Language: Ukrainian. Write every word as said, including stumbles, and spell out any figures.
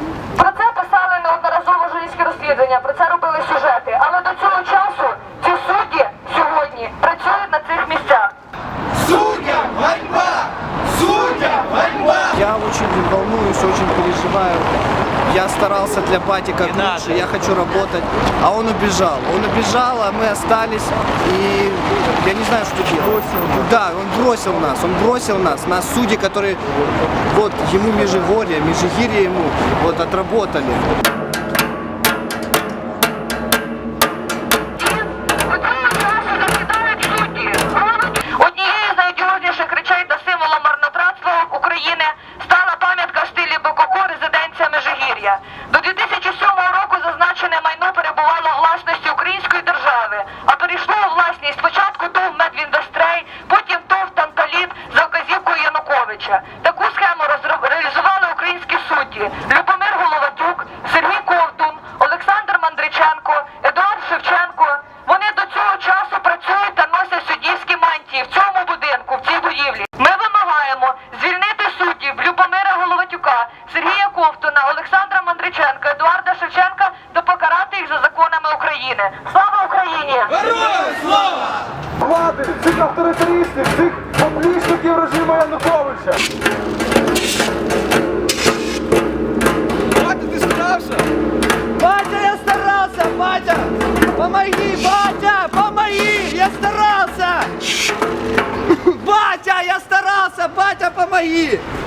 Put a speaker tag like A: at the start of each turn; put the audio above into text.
A: Про це писали неодноразово журналістські розслідування, про це робили сюжети. Але до цього часу ці судді сьогодні працюють на цих місцях.
B: Судьям ганьба! Судьям ганьба!
C: Я очень волнуюсь, очень переживаю. Я старался для Бати как лучше, я хочу работать, а он убежал. Он убежал, а мы остались, и я не знаю, что делать. Да, он бросил нас, он бросил нас, нас судьи, которые, вот, ему Межигорье, Межигирье ему, вот, отработали.
A: Однією з найодіозніших речей та символом марнотратства України стала пам'ятка в стилі Бококо «Резиденція Межигір'я». До дві тисячі сьомого року зазначене майно перебувало у власності української держави, а перейшло у власність спочатку ТОВ «Медвінвестрей», потім ТОВ «Танталіт» за вказівкою Януковича. Таку схему розро- реалізували українські судді Любомир Головатюк, Сергій Ковтун, Олександр Мандриченко, Едуард Шевченко. Вони до цього часу працюють та носять суддівські мантії в цьому будинку, в цій будівлі. Ми вимагаємо звільнити суддів Любомира Головатюка, Сергія Ковтуна, Олександра Мандриченка, Едуарда Шевченка та покарати їх за законами України. Слава Україні!
B: Героям слава!
D: Влади, цих авторитаристів, цих поплічників режиму Януковича.
B: Батя, ти справся?
C: Батя, я старался, Батя! Помоги, Батя, помоги! Я старался! Батя, я старался, Батя, помоги!